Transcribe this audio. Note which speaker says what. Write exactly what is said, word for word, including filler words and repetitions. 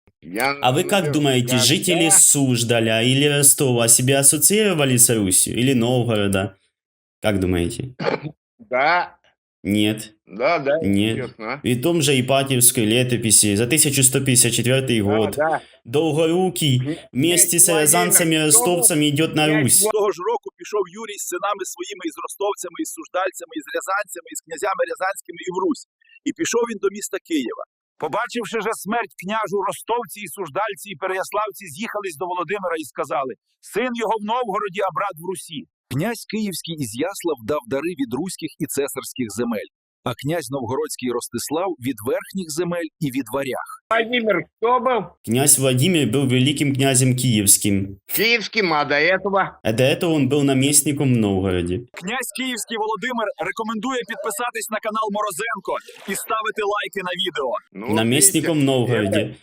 Speaker 1: Я
Speaker 2: А вы как
Speaker 1: говорю,
Speaker 2: думаете, жители
Speaker 1: когда
Speaker 2: Суждаля или Ростова себя ассоциировали с Русью? Или Новгорода? Как думаете?
Speaker 1: Да,
Speaker 2: Нет.
Speaker 1: да, да,
Speaker 2: Нет.
Speaker 1: честно.
Speaker 2: В том же Ипатьевской летописи за тысяча сто пятьдесят четвёртый
Speaker 1: Да,
Speaker 2: год
Speaker 1: да.
Speaker 2: Долгорукий
Speaker 1: Кня-
Speaker 2: вместе
Speaker 1: Князь
Speaker 2: с
Speaker 1: Владимир,
Speaker 2: рязанцами и
Speaker 1: кто был?
Speaker 2: ростовцами идет на
Speaker 1: Князь
Speaker 2: Русь.
Speaker 3: Того ж року пішов Юрій з синами своїми, із ростовцями, із суждальцями, із рязанцями, із князями рязанськими і в Русь. І пішов він до міста Києва. Побачивши же смерть княжу, ростовці і суждальці, і переяславці з'їхались до Володимира і сказали: «Син його в Новгороді, а брат в Русі». Князь Київський Ізяслав дав дари від руських і цесарських земель, а князь Новгородський Ростислав від верхніх земель і від варяг.
Speaker 1: Владимир, кто был?
Speaker 2: Князь Владимир был великим князем киевским,
Speaker 1: Киевским, а до этого?
Speaker 2: а до этого он был наместником в Новгороде.
Speaker 3: Князь Київський Володимир рекомендує підписатись на канал Морозенко і ставити лайки на відео.
Speaker 1: Ну, вот
Speaker 2: Наместником в
Speaker 1: видите,
Speaker 2: Новгороде.
Speaker 1: это